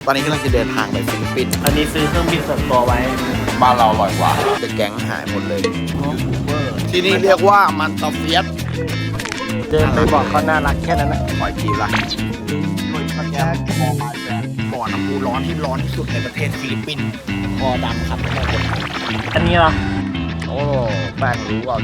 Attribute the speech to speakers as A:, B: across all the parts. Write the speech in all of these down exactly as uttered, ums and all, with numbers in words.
A: อนนี้กำลังจะเดินทางไปฟิลิปปินส์
B: อันนี้ซื้อเครื่องบินส่วนตัวไว้
A: บ้านเราอร่อยกว่าแต่แก๊งหายหมดเลยที่นี่เรียกว่ามันตาเฟียส
B: เดินไปบอกเขาน่ารักแค่นั้นนะ
A: ขอยทีละบ่อน้ำพุร้อนที่ร้อนที่สุดในประเทศฟิลิปปินส์บ่อดำครับไม่ใช่คนไทย
B: อันนี้เหรอ
A: โอ้แป้งรู้เอา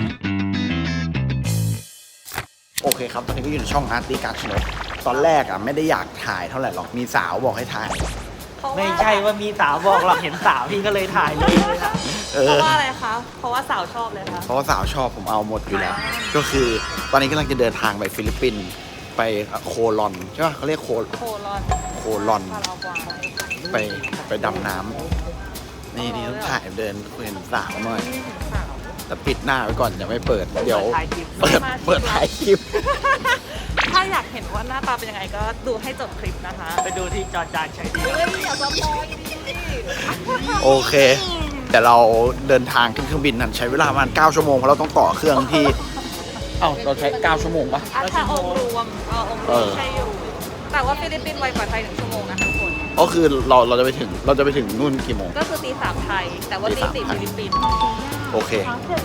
A: โอเคครับตอนนี้ก็อยู่ในช่องอาร์ตี้การ์ชนกตอนแรกอ่ะไม่ได้อยากถ่ายเท่าไหร่หรอกมีสาวบอกให้ถ่าย
B: ไม่ใช่ว่ามีสาวบอกหรอกเห็นสาวพี่ก็เลยถ่ายเลย
A: เอ
C: เพ
A: อ
C: ราะว่าอะไรคะ เพราะว่าสาวชอบเลยค่ะ
A: เพราะว่าสาวชอบผมเอาหมดอยู่แล้ว ก็คือตอนนี้กำลังจะเดินทางไปฟิลิปปินส์ไปโคลอนใช่ป่ะเขาเรียกโค
C: โคลอน
A: โคลอน
C: พารากวาย
A: ไปไปดำน้ำนี่นี่ต้องถ่ายเดินเห็นสาวหน่อย
C: สาว
A: แต่ปิดหน้าไว้ก่อนอย่าไม่เปิดเดี๋ยว
B: ถ่ายคลิป
A: เปิดเปิดถ่ายคลิป
C: ถ้าอยากเห็นว่าหน้าตาเป็นยังไงก็ดูให้จบคลิปนะคะ
B: ไปดูที่จอจานใช้ดี
C: เฮ้ยอย่าสปอยดิ
A: โอเค แต่เราเดินทางขึ้นเครื่องบินนั้นใช้เวลาประมาณเก้าชั่วโมงเพราะเราต้องต่อเครื่องที่เอ้าเราใช้เก้าชั่วโมงปะ
C: อ่ะถ้าองค์รวมเออองค์รวมใช่อยู่ แต่ว่าฟิลิปปินส์ไวกว่าไทยหนึ่งชั่วโมงนะคะทุกคน
A: ก็คือเราเราจะไปถึงเราจะไปถึงนู่นกี่โมง
C: ก็คือตีสามไทย แต่ว่าตีสี่ฟิลิปปินส์
A: โอเค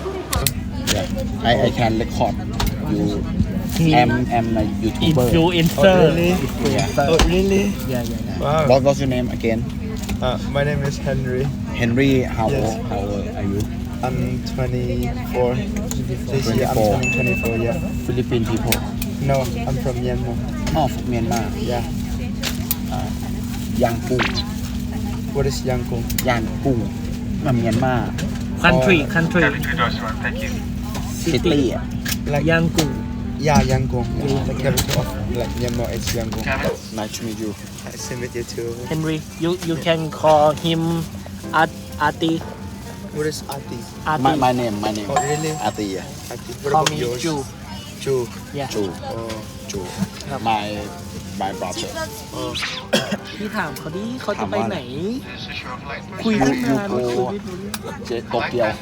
A: I I can record you am am a
B: อิน
A: YouTuber
B: ฟลูเอนเซอร์
D: Oh, really?
B: yeah yeah
D: Wow.
A: What was your name again
D: Uh, my name is Henry.
A: Henry how
D: Yes.
A: old how old are you
D: I'm twenty-four. This year I'm
A: twenty-four.
D: turning twenty-four, yeah.
A: Philippine people
D: No, I'm from Myanmar.
A: อ๋อเมียนมา
D: Yeah.
A: ย่างกุ้ง
D: What is Yangkung?
A: ย่างกุ้งมาเมียนมา
B: country country
A: ซิตี้อ่ะ
D: Like,
B: ย่างกุ้ง
D: yeah, Yangkung. Yeah. The capital of like Myanmar is Yangkung.
A: Nice to meet you
D: Nice to meet you too.
B: Henry you you can call him art arty
D: What is Ati?
B: arty
A: my my name my name
D: Oh, really?
A: อาตีอ่ะ
D: Ati. What
B: call
D: about
B: me
D: yours?
B: Ju
D: Ju.
B: yeah
A: จู
D: Oh.
A: จู my my brother
D: Oh.
B: พี่ถามเขาดิเขาจะ
A: ถาม
B: ไป
A: ว่า
B: ไหน คุยตั้งนาน
A: ยู
B: คุ
A: โก
B: ยไม่รู้เรื่อง
A: เจโตเกียว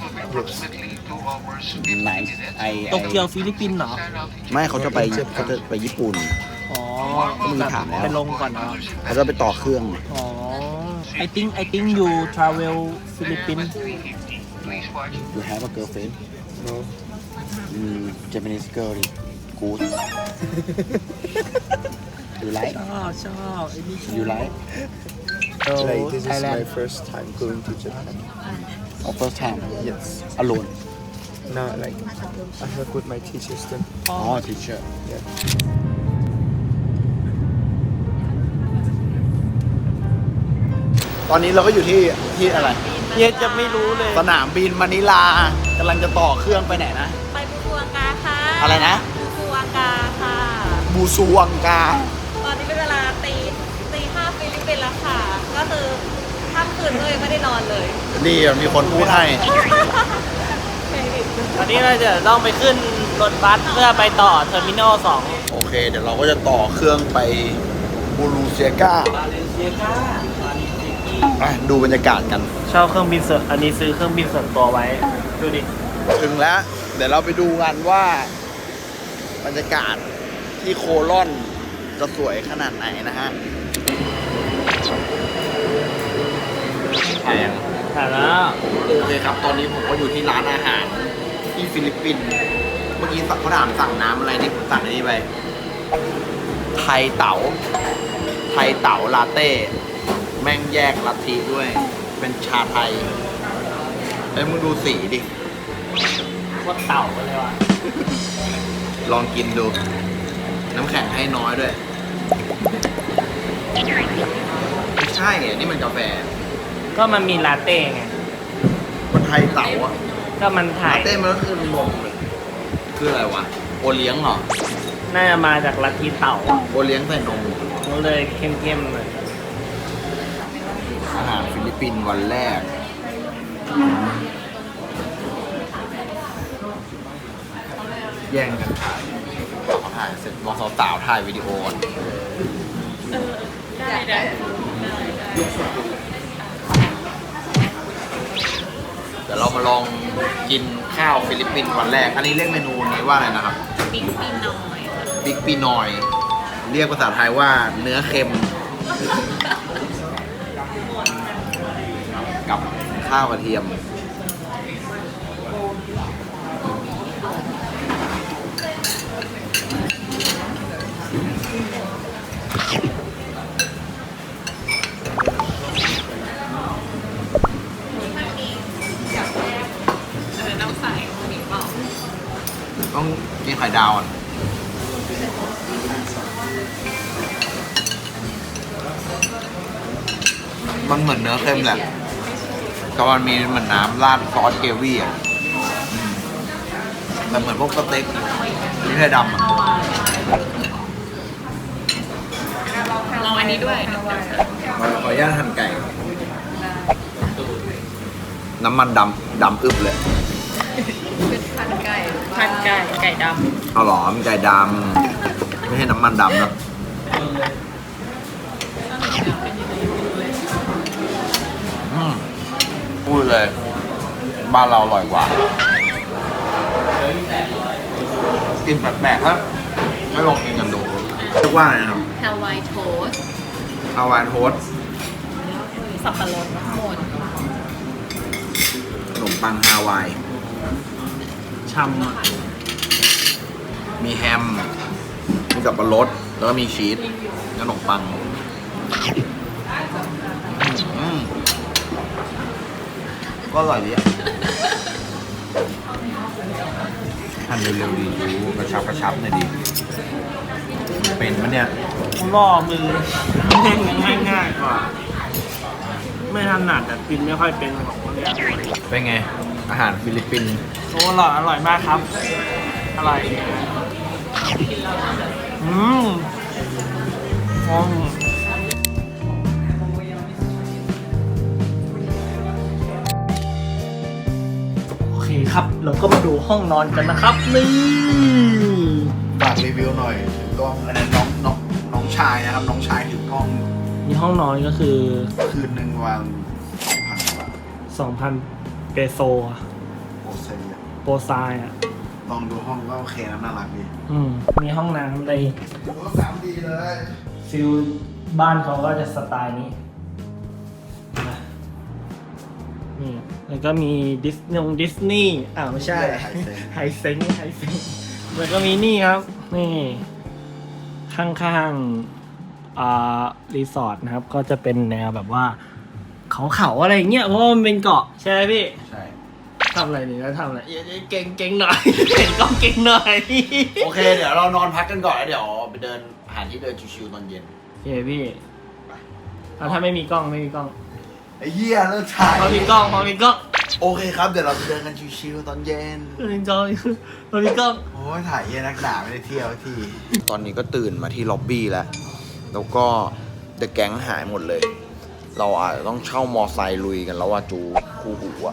D: Yes.
A: ไหนไอ
B: โตเกียวฟิลิปปินส์เหรอ
A: ไม่เขาจะไปเขาจะไปญี่ปุ่น
B: อ๋อ
A: ก็มีถามแล้ว
B: ไปลงก่อนเนาะ
A: เขาจะไปต่อเครื่อง
B: อ๋อ I think I think you travel Philippines
A: you have a girlfriend
D: No.
A: อืม Japanese girl ดิ good you like
B: ชอบชอบไอ้นี่ชอบ
A: you like
B: So
D: Like this is my
B: Thailand
D: first time going to Japan.
A: or first time
D: Yes.
A: alone
D: No, like I work with my teachers then.
A: อ๋อ teacher
D: Yeah.
A: ตอนนี้เราก็อยู่ที่ที่อะไร
B: เฮียจะไม่รู้เลย
A: สนามบินมะนิลากำลังจะต่อเครื่องไปไหนนะ
C: ไปบูซูวังกาค่ะ
A: อะไรนะ
C: บูซูวังกาค่ะ
A: บูซูวังกา
C: ตอนนี้เป็นเวลาตีตีห้าฟิลิปปินส์แล้วค่ะ ก็คือค่ำคืนเลยไม่ได้นอนเลย
A: นี่มีคนพูดให้
B: ตอนนี้เราจะต้องไปขึ้นรถบัสเพื่อไปต่อเทอร์มินอลสอง
A: โอเค เดี๋ยวเราก็จะต่อเครื่องไปบูรูเซียกา
B: บาเลเซียกาบาเลเซียกี
A: อ่ะดูบรรยากาศกัน
B: เช่าเครื่องบินส่วนอันนี้ซื้อเครื่องบินส่วนตัวไว้ ดูดิ
A: ถึงแล้ว เดี๋ยวเราไปดูกันว่า บรรยากาศที่โคลอนจะสวยขนาดไหนนะฮะแพง
B: ถ่ายแล้ว
A: โอเคครับ ตอนนี้ผมก็อยู่ที่ร้านอาหารที่ฟิลิปปินส์ เมื่อกี้เขาถามสั่งน้ำอะไรนี่ผมสั่งอันนี้ไป ไทยเต๋า ไทยเต๋าลาเต้ แม่งแยกลัทธิด้วย เป็นชาไทยไอ้ยมึงดูสีดิ
B: โคตรเต่าเลยว่ะ
A: ลองกินดู น้ำแข็งให้น้อยด้วย ไม่ใช่อ่ะนี่มันกาแฟ
B: ก็มันมีลาเต้ไง
A: มันไทยเต๋าอ่ะ
B: ก็มันถ่า
A: ลาย เต้มันก็คือนมเลยคืออะไรวะ โอเลี้ยงเหรอ
B: น่าจะมาจากลัทธิเต่า
A: โอเลี้ยงใส่นม
B: ก็เลยเข้มๆเลย
A: อาหารฟิลิปปินส์วันแรก แย่งกันถ่ายถ่ายเสร็จบอกสาวๆถ่ายวิดีโอก่อน
C: ได้ได้
A: เดี๋ยวเรามาลองกินข้าวฟิลิปปินส์วันแรก อันนี้เรียกเมนูนี้ว่าอะไรนะครับ
C: บิ๊กปีน้อย
A: บิ๊กปีนอย เรียกภาษาไทยว่าเนื้อเค็มข้าวกระเทียมต้องกินไข่ดาวอ่ะมันเหมือนเนื้อเค็มแหละแต่มันมีเหมือนน้ำราดซอสเกรวี่อ่ะแต่เหมือนพวกสเต็กที่ไข่ดำอ่ะ
C: ลองอันนี้ด้วย
A: ขออนุญาตหั่นไก่ น้ำมันดำดำอึบเลย
C: พันไก่พันไก่ไก่ด
A: เอาหรอมันไก่ดำไม่ใช่น้ำมันดำนะอืมพูดเลย บ้านเราอร่อยกว่า กินแปลกๆครับไม่ลองกินกันดูเรียกว่าอะไรนะครับ
C: ำฮาวายโทสต์
A: ฮาวายโทสต์
C: สับปะรดทั้งหมด
A: ขนมปังฮาวาย
B: ช่ำอ่ะ
A: มีแฮม มีสับปะรด แล้วก็มีชีสขนมปังอืมก็อร่อยดีอ่ะทำเร็วๆดีดูกระชับกระชับหน่อยดี เป็นมันเนี่ย
B: ล่อมือแม่งยังง่ายๆกว่า ไม่ถนัดแต่กินไม่ค่อยเป็นของคนเนี้ย
A: เป็นไง อาหารฟิลิปปินส์
B: โอ้อร่อยอร่อยมากครับ อร่อยอืมอืมโอเคครับ เราก็มาดูห้องนอนกันนะครับ นี่
A: ฝากรีวิวหน่อยถือกล้องอันนั้นน้องน้องน้องชายนะครับ น้องชายถือกล้อง
B: มีห้องนอนก็คือ
A: คืนหนึ่งวันสองพันบาท
B: สองพันเปโซอะ
A: โอเซน
B: โปรไซน์อ่ะ
A: ลองดูห้องก็โอเคนะน่ารักดี
B: อืม มีห้องน้ำใน
A: ดูห้องน้ำดีเลย
B: ฟิลบ้านเขาก็จะสไตล์นี้นะนี่ แล้วก็มีดิสนงดิสนีย์อ่าไม่ใช่ ไฮเซ็งไฮเซ็งแล้วก็มีนี่ครับ นี่ ข้างๆ อ่า รีสอร์ทนะครับ ก็จะเป็นแนวแบบว่า เขาเขาๆอะไรอย่างเงี้ย เพราะว่ามันเป็นเกาะใช่ไหมพี่
A: ใช่
B: ทำอะไรนี่แล้วทำอะไรเก่งเก่งหน่อย เห็นกล้องเก่งหน่อย
A: โอเค เดี๋ยวเรานอนพักกันก่อนแล้วเดี๋ยวไปเดินหาที่เดินชิวๆตอนเย็น
B: เฮ้พี่แล้วถ้าไม่มีกล้องไม่มีกล้อง
A: ไอ้เหี้ยเลิกถ่าย
B: พอมีกล้องพอมีกล้อง
A: โอเคครับ เดี๋ยวเราไปเดินกันชิวๆตอนเย็น
B: พอมีกล้องพอมีกล้อง
A: โอ้ยถ่ายเหี้ยนักด่าไม่ได้เที่ยวที ตอนนี้ก็ตื่นมาที่ล็อบบี้แล้ว แล้วก็เดอะแก๊งหายหมดเลย เราอาจจะต้องเช่ามอไซค์ลุยกันแล้วว่าจูคู่หูอะ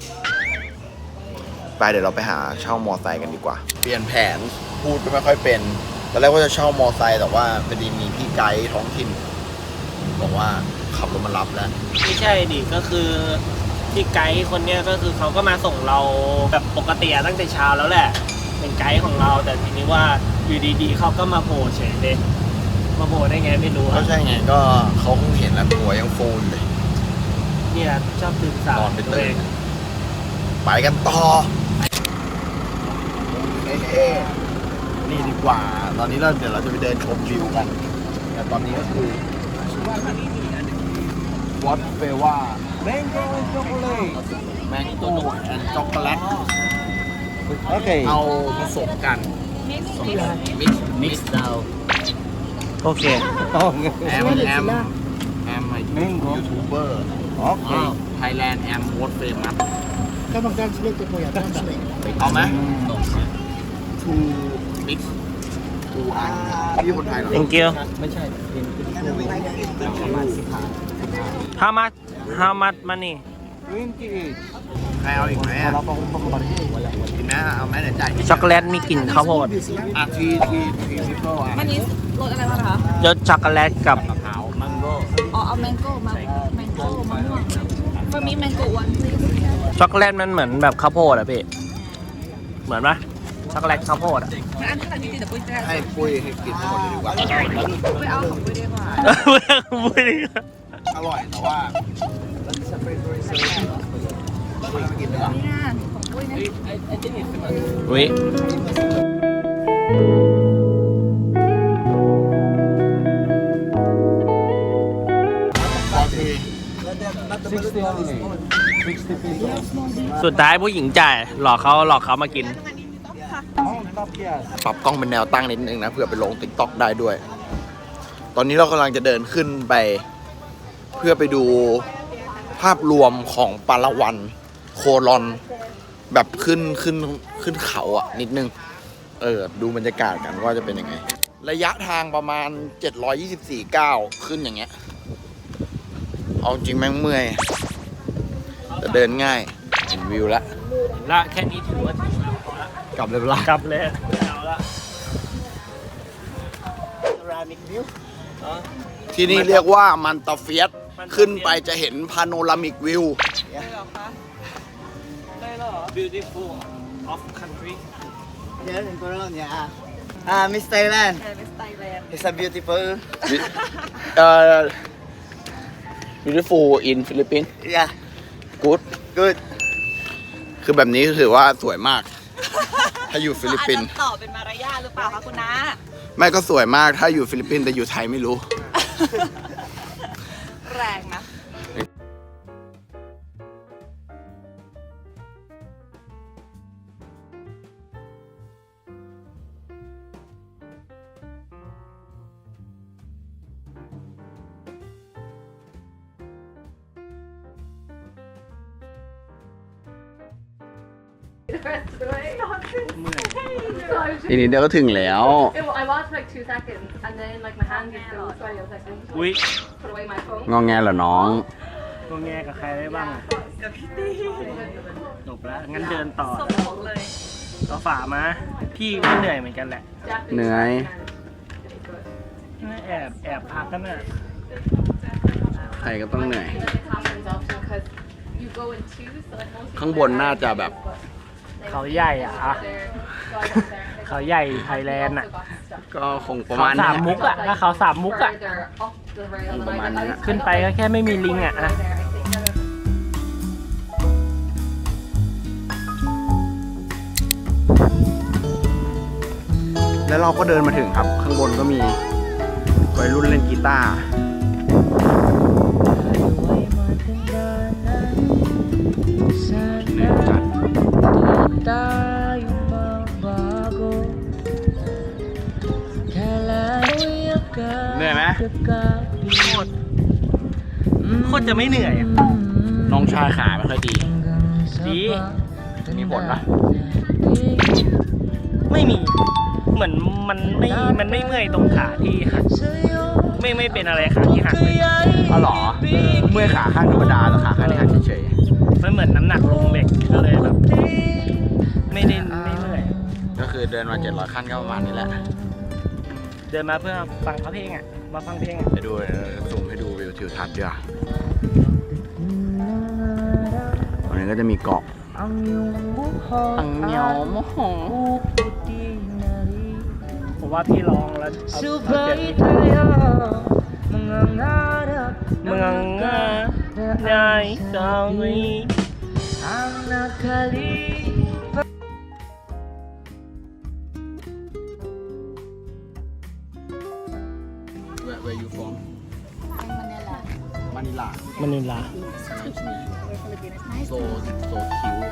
A: ไปเดี๋ยวเราไปหาเช่ามอไซค์กันดีกว่า เปลี่ยนแผนพูดก็ไม่ค่อยเป็นตอนแรกว่าจะเช่ามอไซค์แต่ว่าพอดีมีพี่ไกด์ท้องถิ่นบอกว่าขับรถมารับแล้ว
B: ไม่ใช่ดิก็คือที่ไกด์คนเนี้ยก็คือเขาก็มาส่งเราแบบปกติอะตั้งแต่เช้าแล้วแหละ เป็นไกด์ของเราแต่ทีนี้ว่าอยู่ดีๆเขาก็มาโผล่เฉยเลยมาโผล่ได้ไงไม่รู้
A: ก็
B: อะ
A: ใช่ไงก็เขาคงเห็นแล้วหัวยังฟูอยู่เลย
B: เนี่ยชอบตื่นสาย
A: นอนไป
B: ตัว
A: ตื่
B: เอน ง
A: ไปกันต่อเอ๊ะนี่ดีกว่า ตอนนี้เราเดี๋ยวเราจะไปเดินชมวิวกัน แต่ตอนนี้ก็คือวัดเฟว่าแมงโก้ช็อกโกแลตแมงโก้แอนช็อกโกแลต
B: โอเค
A: เอาผสมกันมิกซ์มิกซ์ดาว
B: โอเค
A: แอมแอมแอมไอยูทูบเบอร์โอเคไทยแลนด์แอมโวตเฟมัส
D: Come on, translate it for you. Translate.
A: เอาไหมทูมิกซ์ทูอันพี่คนไทยเหรอ
B: thank you
A: ไม่ใช่เป็นเป็นประมาณสิบห้า
B: how much how much money
A: ใครเอาอีกไหมอ่ะกินไหมเอาไหมเดี๋ยวจ่าย
B: ช็อกโกแลตมีกลิ่นข้าวโพด
A: อ่ะทีทีทีมิโก้อ่ะ
C: วันนี้รสอะไรบ้างคะ
B: ยศช็อกโกแลตกับ
A: มะพร้าวมังโก้
C: อ๋อเอาแมงโก้มาแมงโก้มะม่วงฟามิแมงโก้วัน
B: ช็อกโกแลตมันเหมือนแบบข้าวโพดอะพี่ เหมือนปะช็อกโกแลตข้าวโพดอะ
C: มันอันเท่าไหร่จริงๆเดี๋ยวปุ้ยจะ
A: ให้ปุ้ยให้กินทั้งหมดเลยดีกว่า
C: ไปเอาของปุ้ยดีกว่า
B: ไม่ดี
A: อร่อยแต่ว่าไม่กินเลยอ่ะอุ้ยสุดท้ายผู้หญิงจ่ายหลอกเขาหลอกเขามากินปรับกล้องเป็นแนวตั้งนิดนึงนะเพื่อไปลงติ๊กต็อกได้ด้วย ตอนนี้เรากำลังจะเดินขึ้นไป เพื่อไปดูภาพรวมของปาราวันโคลอนแบบขึ้นขึ้นขึ้นเขาอ่ะนิดนึง เออดูบรรยากาศกันว่าจะเป็นยังไง ระยะทางประมาณเจ็ดร้อยยี่สิบสี่ก้าวขึ้นอย่างเงี้ยเอาจริงแม่งเมื่อยแต่เดินง่ายเห็นวิวแล้ว
B: ละแค่นี้ถือว่าถึงแล้วพอละ
A: กลับเลยเวลาก
B: ลับเลยเอาละรามิกวิว
A: ที่นี่เรียกว่ามันตาเฟียสขึ้นไปจะเห็นพาโนรามิกวิว
B: ได้เหรอคะได้เหรอ beautiful of country
E: Yes, in Colonia. Ah, Miss Thailand.
C: แเป็นสไตล์แลนด์
E: It's a beautiful.
A: เอ่อ beautiful in Philippines
E: Yeah,
A: good
E: good.
A: คือแบบนี้ถือว่าสวยมาก ถ้าอยู่ฟิลิปปินส์
C: อาจจะตอบเป็นมารยาทหรือเปล่าคะคุณน้า
A: ไม่ก็สวยมากถ้าอยู่ฟิลิปปินส์แต่อยู่ไทยไม่รู้
C: แรงนะ
A: ทีนี้เดี๋ยวก็ถึงแล้ว
F: I watched for like two seconds and then like my hand just goes sweaty. I was like, oh,
B: อุ้ย
F: put away my phone.
A: งอแงเหรอน้อง
B: ตัวแงกับใครได้บ้างอะ
C: กับพี่ตี้
B: จบแล้ว งั้นเดินต่อ
C: สมองเลย
B: ก็ฝ่ามา พี่ก็เหนื่อยเหมือนกันแหละ
F: Japanese
A: เหนื่อย
F: and
B: แอบแอบพักกันน่ะ
A: ใครก็ต้องเหนื่อย
F: it happens often because you go in twos. So like most
A: ข้างบนน่าจะแบบ
B: เขาใหญ่อะอะ
F: there, so I went there.
B: เขาใหญ่ไทยแลนด์อะ
A: ก็คงประ
B: เขา
A: มาณ
B: สา
A: นี้
B: มมุกอะถ้าเขาสามมุกอะ
F: Further up the rail. And
A: ประมาณ
F: I,
A: นี้
F: I,
A: นะ
F: I
B: ขึ้นไปก็แค่ไม่มีลิงอะอะ
F: there, I think.
A: แล้วเราก็เดินมาถึงครับ ข้างบนก็มีวัยรุ่นเล่นกีตาร์เหนื่อยจัดเหนื่อยไหม
B: โคตรจะไม่เหนื่อยอะ
A: น้องชายขาไม่ค่อยดี
B: ดี
A: มีผลปะ
B: ไม่มี เหมือนมันไม่ มันไม่เมื่อยตรงขาที่หัก ไม่ไม่เป็นอะไรขาที่หักเลย
A: อ๋อเหรอ เมื่อยขาข้างธรรมดาแต่ขาข้างนี้หักเฉย
B: มันเหมือนน้ำหนักลงเหล็กก็เลยแบบ ไม่ได้ไม่เมื่อย
A: ๆก็คือเดินมาเจ็ดร้อยขั้นก็ประมาณนี้แหละ
B: เดินมาเพื่อฟังเขาเพลงอ่ะ มาฟังเพลงอ่ะ
A: ไปดูซูมให้ดูวิวทิวทัศน์ด้วยตรงนี้ก็จะมีเกาะอังเนียวโมโห
B: ผมว่าพี่ลองแล้วเอาเอาเสียงนี้เมืองงาได้สาวนี้
A: Where where you from Manila Manila
B: มนิลา
A: Nice to meet you so so cute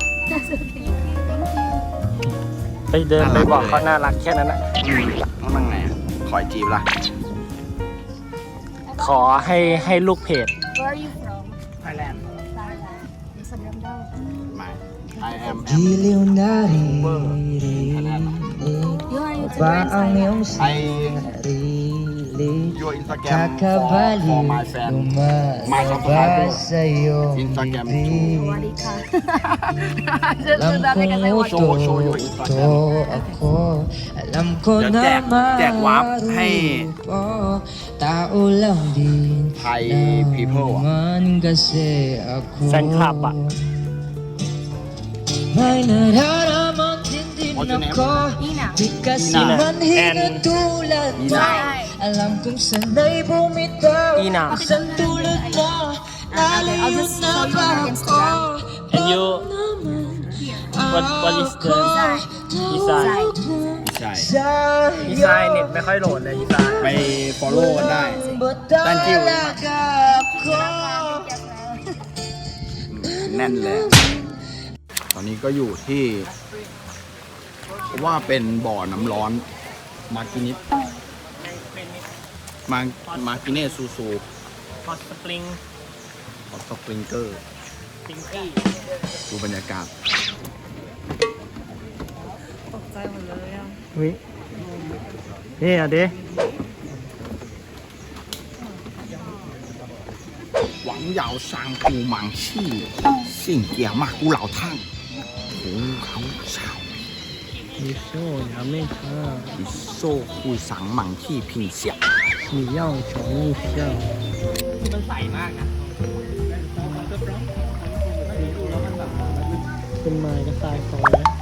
B: ไปเดินไปบอกเขาน่ารักแค่นั้นแหละ
A: ต้องนั่งไหนอะขอจีบล่ะ
B: ขอให้ให้ลูกเพจ
G: Where are you from?
A: Thailand
G: Thailand. Instagram daw.
A: My I am
G: You
A: Thailand
G: are YouTuber in Thailand.
A: I your Instagram for, for my fan my subscriber Instagram too
G: Wadika.
A: show show your Instagram เดี๋ยวแจกแจกวาร์ปให้ไทย people อ่ะ
B: แฟนคลับอ่ะ
A: What's your name
G: Ina.
B: Nina and
A: Nina
G: Alam kong sanay bumitaw
B: Ina.
G: sa tulad mo.
C: Okay, I'll just show you on Instagram.
B: And you, what what is the design?
A: ใช่
B: ดีไซน์เน็ตไม่ค่อยโหลดเลยดีไซน์
A: ไป follow กันได้ thank you แน่นเลย ตอนนี้ก็อยู่ที่ว่าเป็นบ่อน้ำร้อนมากินิสมามากิเนสซูซู
B: ฮอตสปริง
A: ฮอตสปริงเกอร์
B: ปิงกี้
A: ดูบรรยากาศ
C: ตกใจหมดเลยอ่ะ
B: วินี่อ่ะเด้
A: หวังเหยาซางปูหมังชี่สิ่งเกียร์มากกูเหล่าทั่งโอ้เขาสาว
B: มีโซ่ยาไม่ท่า
A: อีโซ่คุยสังหมังที่พิงเสีย
B: มีเย่าชองมีเย่ามันใสมากนะเป็นไม้กระต่ายซอยนะ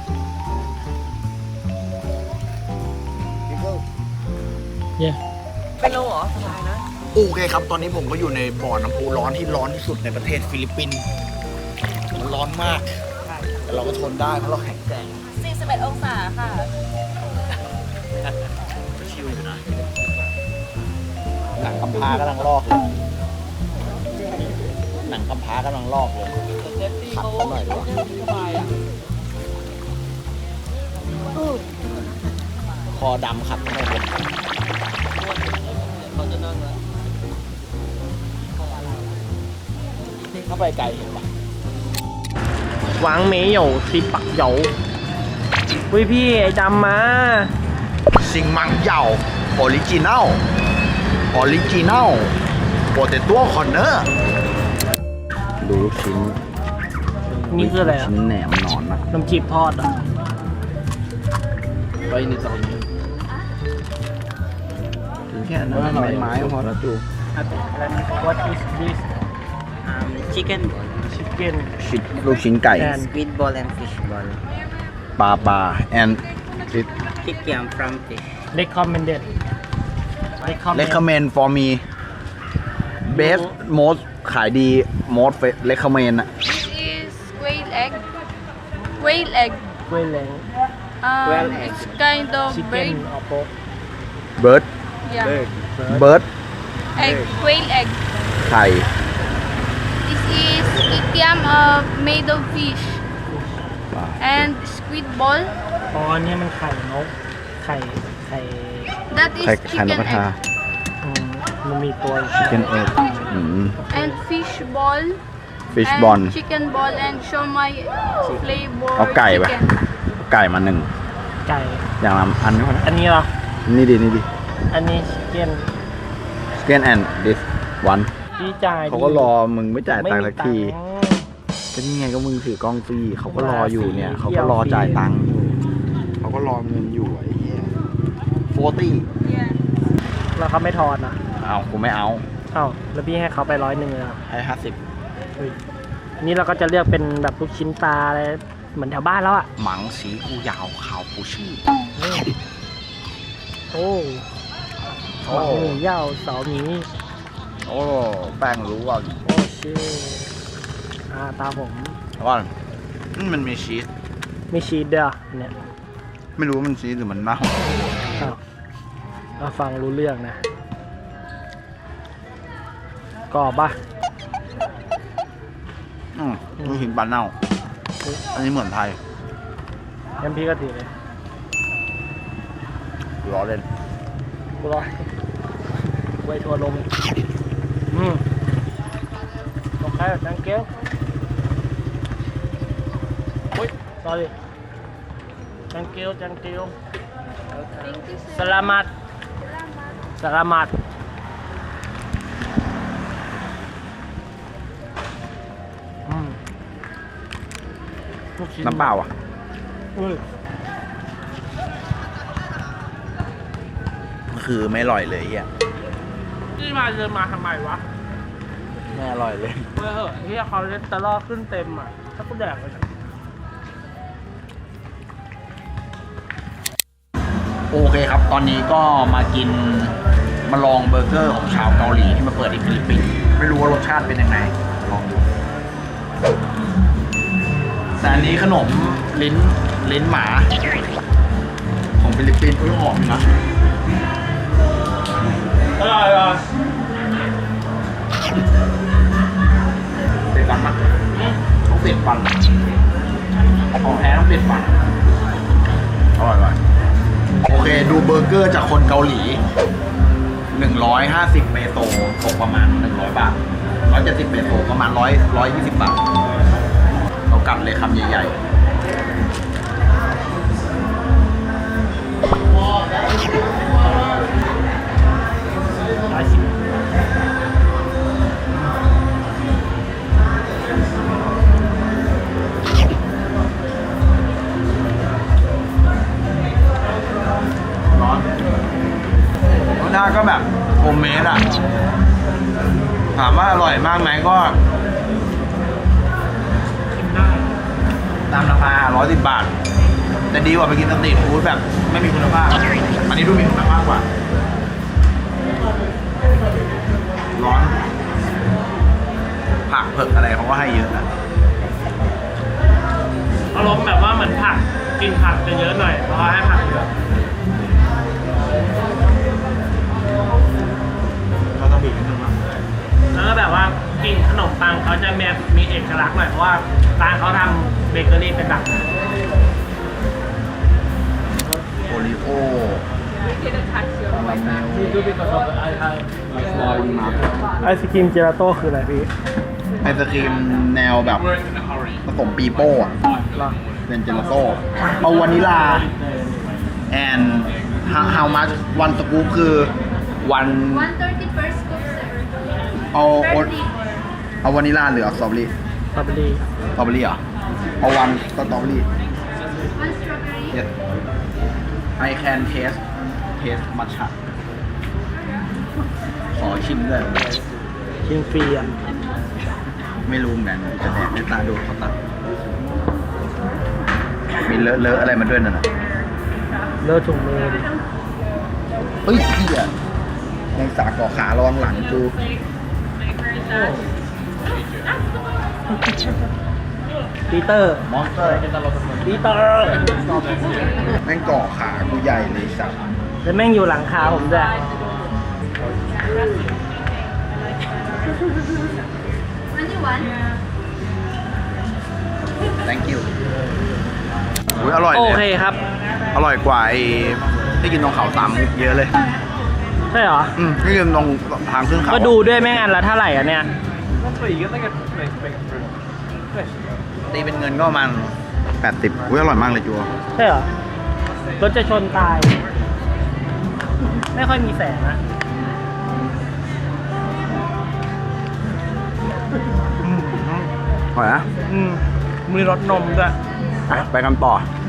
B: เย่
C: เป็นโลเหรอสบายนะ
A: โอเคครับ ตอนนี้ผมก็อยู่ในบ่อน้ำพุร้อนที่ร้อนที่สุดในประเทศฟิลิปปินส์มันร้อนมาก แต่เราก็ทนได้เพราะเราแข็งแกร่ง
C: สี่สิบเอ็ดองศาค่ะ
A: ชิวอยู่นะหนังกำพร้ากำลังลอกเลยหนังกำพร้ากำลังลอกเลยขัดกันหน่อยดีกว่าคอดำขัดกันหน่อยเลยเข้าไปไกลเห็นปะ
B: หวังเมย์เหยวซิปักเหยววิพี่ไอ้ดำมา
A: ซิงมังเหยาออริจินัลออริจินัลโปเตโต้คอนเนอร์ดูลูกชิ้น
B: นี่คืออะไรอ่ะ
A: ชิ้นแหนมหนอนนะ
B: น้ำจีบทอดอ่ะ
A: ไว้ในตอนนี้ถึงแค่นั้นไม้ไม้พอแล้วจู
B: What is this
E: Um, chicken ball,
B: chicken
A: ชิ้นลูกชิ้นไก่
B: and
E: squid ball, and fish ball.
A: ปลาปลา and it
E: Kikiam from fish.
B: recommended recommend
A: recommend for me best most ขายดี most recommend อะ
F: This is quail egg. Quail egg.
B: กล้วยแหลง
F: Um,
E: Quail egg.
F: it's kind of
B: chicken
F: bird.
B: or pork
A: bird
F: Yeah.
A: bird
F: Egg. Quail egg.
A: ไข่
F: This is kikiam uh, made of fish. And squid ball.
B: อ๋ออันนี้มันไข่นกไข่ไข่
F: That is
A: ไข่ไข่นก
F: chicken
A: กระทา
F: egg.
B: อืมมันมีตัวอยู่
A: chicken egg อืม
F: And fish ball.
A: fish
F: and
A: ball
F: chicken ball and shomai flavor
A: เอาไก่ไป
F: chicken.
A: เอาไก่มาหนึ่ง
B: ไก่
A: อย่างละอันนี้พอนะ
B: อันนี้เหรอ
A: นี่ดินี่ดิ
B: อันนี้ chicken
A: chicken and this one
B: ที่จ่าย
A: เขาก็รอมึงไม่จ่าย
B: ไม่
A: ตังค์
B: มี
A: สักที
B: ตังค์
A: ก็นี่ไงก็มึงถือกล้องฟรีเขาก็รออยู่เนี่ย
B: ฟรี
A: เขาก็รอ
B: เที่ยวฟรี
A: จ่ายตังค์อยู่เขาก็รอเงินอยู่ไอ้เหี้ยโฟตี้
F: Yeah.
B: แล้วเขาไม่ทอนอ่ะ
A: เอากูไม่เอา
B: เอ้าแล้วพี่ให้เขาไปร้อยหนึ่งเลยอ่ะ
A: ให้ห้าสิบ
B: นี่เราก็จะเลือกเป็นแบบลูกชิ้นปลาอะไรเหมือนแถวบ้านแล้วอ่ะ
A: หมังสีกูยาวขาวกูชื่อ
B: โอ้
A: โอ้
B: หมักหมูย่าวเสาหมี
A: โอ้แป้งรู้ว่า
B: โอ้ชื่ออ่าตาผม
A: ว่านี่มันมีชีส
B: ไม่ชีสเด้อเนี่ย
A: ไม่รู้ว่ามันชีสหรือมันเน่า
B: อ้าวเอาฟังรู้เรื่องนะกรอบปะ
A: อืมลูกชิ้นปลาเน่า อันนี้เหมือนไทย
B: งั้นพี่ก็ถือเลย
A: ล้อเล่น
B: กูรอไว้ทัวร์ลงอืมโอเค thank you อุ้ย sorry thank you thank you
F: Thank you, sir.
B: selamat selamat อืมลูกชิ้
A: น้ำเปล่าอ่ะ
B: อุ้ย
A: คือไม่อร่อยเลยเฮีย
B: นี่มาเดินมาทำไมวะ
A: ไม่อร่อยเลย
B: เฮ้ยเหอะเฮียคอเลสเตอรอลขึ้นเต็มอ่ะ ถ้ากูแดกไป
A: โอเคครับ ตอนนี้ก็มากินมาลองเบอร์เกอร์ของชาวเกาหลีที่มาเปิดที่ฟิลิปปินส์ไม่รู้ว่ารสชาติเป็นยังไงลองดูแต่อันนี้ขนมลิ้นลิ้นหมา ของฟิลิปปินส์ก็หอมนะ
B: อร่อยอ่ะ
A: เด็ดฟันมากต้องเด็ดฟันของแท้ต้องเด็ดฟันอร่อยอร่อยโอเคดูเบอร์เกอร์จากคนเกาหลีหนึ่งร้อยห้าสิบเปโซตกประมาณหนึ่งร้อยบาทหนึ่งร้อยเจ็ดสิบเปโซประมาณหนึ่งร้อย หนึ่งร้อยยี่สิบบาทเรากัดเลยคำใหญ่ๆร้อนรสชาติก็แบบโฮมเมดอ่ะถามว่าอร่อยมากไหมก็ตามราคาร้อยสิบบาท แต่ดีกว่าไปกินสตรีทฟู้ดแบบไม่มีคุณภาพ อันนี้ดูมีคุณภาพกว่า ร้อน ผักเผือกอะไรเขาก็ให้เยอะนะ
B: อารมณ์แบบว่าเหมือนผักกินผักจะเยอะหน่อยเพราะให้ผักเยอะ
A: เราต้องบีบนิดนึงมั้ง
B: แล้วก็แบบว่ากินขนมปังเขาจะมีมีเอกลักษณ์หน่อยเพราะว่าร้านเขาทำเบเกอรี่เป็นแบบ
A: โอริโอ
B: ไอศครีมเจลาโต้คืออะไรพี่
A: ไอศครีมแนวแบบผสมปีโป้อะเป็นเจลาโต้เอาวานิลา and how how much one scoop คือ one
F: one thirty per scoop, sir.
A: เอาเอา
F: thirty.
A: เอาวานิลาหรือเอาสตรอเบอรี่
B: สตรอเบอรี่
A: สตรอเบอรี่เหรอ เอาวันสตรอเบอรี่
F: One strawberry.
A: yes I can taste taste matcha ขอชิมด้วย
B: ชิมฟรีอ่ะ
A: ไม่รู้เหมือนกันจะแดกในตาดูเขาตัดมีเลอะเลอะอะไรมาด้วยนั่นน่ะ
B: เลิศถุงมือดิ
A: เฮ้ยพี่อะแมงสาบเกาะขาระวังหลังกู
B: ปีเตอร์
A: มอนสเตอร์
B: ปีเตอร์
A: แม่งเกาะขากูใหญ่เลยสัตว์
B: แล้วแม่งอยู่หลังคาผมด้วย
F: twenty-one.
A: thank you อุ้ยอร่อย
B: โอ
A: เลย
B: เคครับ
A: อร่อยกว่าไอ้ที่กินตรงเขาสามมุกเยอะเลย
B: ใช่เหรอ
A: อืมที่กินตรงทางขึ้นเขา
B: ก็ดูด้วยแม่งอันละเท่าไหร่อ่ะเนี่ย
A: ตีเป็นเงินก็ประมาณแปดสิบอุ้ยอร่อยมากเลยจัว
B: ใช่เหรอ รถจะชนตาย ไม่ค่อยมีแสงนะ
A: อร่อยนะ
B: อืมมีรสนมด้วย
A: ไปไปกันต่อ
B: ไ